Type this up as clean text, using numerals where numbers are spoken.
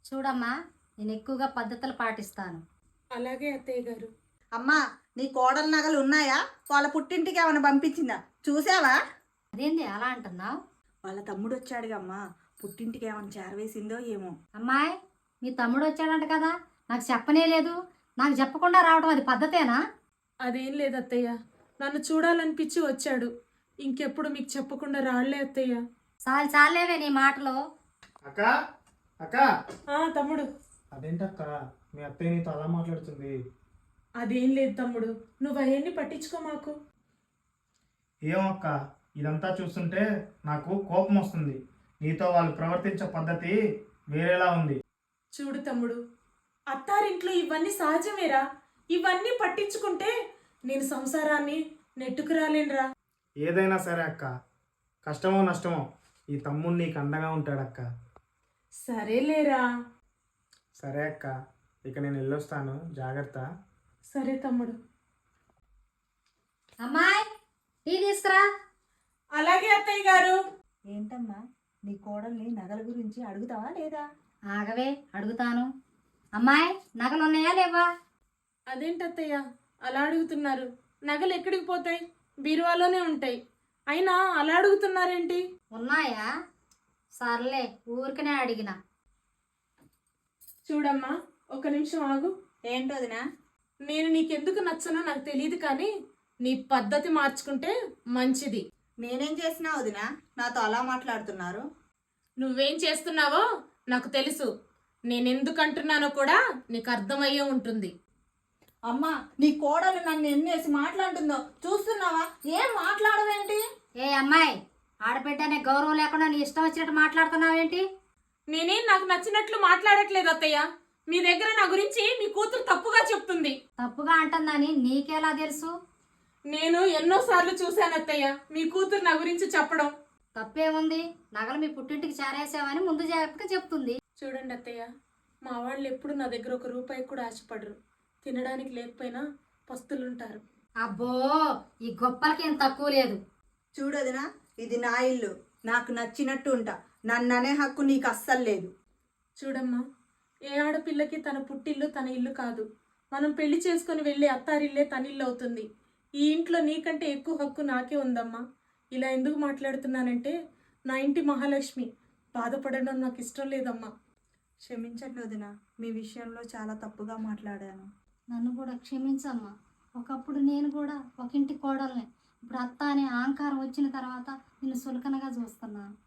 చూడమ్మా, నేను ఎక్కువగా పద్ధతులు పాటిస్తాను. అలాగే అత్తయ్య గారు. అమ్మా, నీ కోడల నగలు ఉన్నాయా? వాళ్ళ పుట్టింటికి ఏమైనా పంపించిందా చూసావా? అదేంది అలా అంటున్నావు? వాళ్ళ తమ్ముడు వచ్చాడుగా అమ్మా, పుట్టింటికి ఏమైనా చేరవేసిందో ఏమో. అమ్మాయి, మీ తమ్ముడు వచ్చాడంట కదా, నాకు చెప్పనే లేదు. నాకు చెప్పకుండా రావడం అది పద్ధతేనా? అదేం లేదు అత్తయ్య, నన్ను చూడాలనిపించి వచ్చాడు. ఇంకెప్పుడు మీకు చెప్పకుండా రాళ్లే అత్తయ్య. చాలేవే నీ మాటలు. అక్క అక్క తమ్ముడు. అదేంటక్క మీ అత్తయ్య నీతో అలా మాట్లాడుతుంది? అదేం లేదు తమ్ముడు, నువ్వు అవన్నీ పట్టించుకో మాకు. ఏమో అక్క, ఇదంతా చూస్తుంటే నాకు కోపం వస్తుంది. నీతో వాళ్ళు ప్రవర్తించే పద్ధతి వేరేలా ఉంది. చూడు తమ్ముడు, అత్తారింట్లో ఇవన్నీ సహజమేరా. ఇవన్నీ పట్టించుకుంటే నేను సంసారాన్ని నెట్టుకు రాలేనురా. ఏదైనా సరే అక్క, కష్టమో నష్టమో ఈ తమ్ముడు నీకు అండగా ఉంటాడక్క. సరేలేరా. సరే అక్క, ఇక నేను వెళ్ళొస్తాను, జాగ్రత్త. సరే తమ్ముడు. అమ్మాయి, టీ తీసుకురా. అలాగే అత్తయ్య గారు. ఏంటమ్మా, నీ కోడల్ని నగల గురించి అడుగుతావా లేదా? ఆగవే, అడుగుతాను. అమ్మాయి, నగలు ఉన్నాయా లేవా? అదేంటత్తయ్య అలా అడుగుతున్నారు? నగలు ఎక్కడికి పోతాయి? బీరువాలోనే ఉంటాయి. అయినా అలా అడుగుతున్నారేంటి? ఉన్నాయా? సర్లే, ఊరికనే అడిగిన. చూడమ్మా, ఒక నిమిషం ఆగు. ఏంటోదినా? నేను నీకెందుకు నచ్చనో నాకు తెలియదు, కానీ నీ పద్ధతి మార్చుకుంటే మంచిది. నేనేం చేసినా వదినా నాతో అలా మాట్లాడుతున్నారు? నువ్వేం చేస్తున్నావో నాకు తెలుసు. నేనెందుకు అంటున్నానో కూడా నీకు అర్థమయ్యే ఉంటుంది. అమ్మా, నీ కోడలు నన్ను ఎన్నేసి మాట్లాడుతుందో చూస్తున్నావా? ఏం మాట్లాడవేంటి? ఏ అమ్మాయి, ఆడబిడ్డ అనే గౌరవం లేకుండా నీ ఇష్టం వచ్చినట్టు మాట్లాడుతున్నావేంటి? నేనేం నాకు నచ్చినట్లు మాట్లాడట్లేదు అత్తయ్య. మీ దగ్గర నా గురించి మీ కూతురు తప్పుగా చెప్తుంది. తప్పుగా అంటుందని నీకెలా తెలుసు? నేను ఎన్నోసార్లు చూశాను అత్తయ్య మీ కూతురు నా గురించి చెప్పడం. తప్పేముంది? నగలు మీ పుట్టింటికి చేరేసావని ముందు జాగ్రత్తగా చెప్తుంది. చూడండి అత్తయ్య, మా వాళ్ళు ఎప్పుడు నా దగ్గర ఒక రూపాయి కూడా ఆశపడరు. తినడానికి లేకపోయినా పస్తులుంటారు. అబ్బో, ఈ గొప్పలకేం తక్కువ లేదు. చూడదినా, ఇది నా ఇల్లు, నాకు నచ్చినట్టు ఉంటా. నన్ను అనే హక్కు నీకు అస్సలు లేదు. చూడమ్మా, ఏ ఆడపిల్లకి తన పుట్టిల్లు తన ఇల్లు కాదు. మనం పెళ్లి చేసుకుని వెళ్ళే అత్తారిల్లే తన ఇల్లు అవుతుంది. ఈ ఇంట్లో నీకంటే ఎక్కువ హక్కు నాకే ఉందమ్మా. ఇలా ఎందుకు మాట్లాడుతున్నానంటే, నా ఇంటి మహాలక్ష్మి బాధపడడం నాకు ఇష్టం లేదమ్మా. క్షమించండి వదినా, మీ విషయంలో చాలా తప్పుగా మాట్లాడాను. నన్ను కూడా క్షమించమ్మా. ఒకప్పుడు నేను కూడా ఒక ఇంటి కోడల్ని. ఇప్పుడు అత్త అనే అహంకారం వచ్చిన తర్వాత నిన్ను సులకనగా చూస్తున్నాను.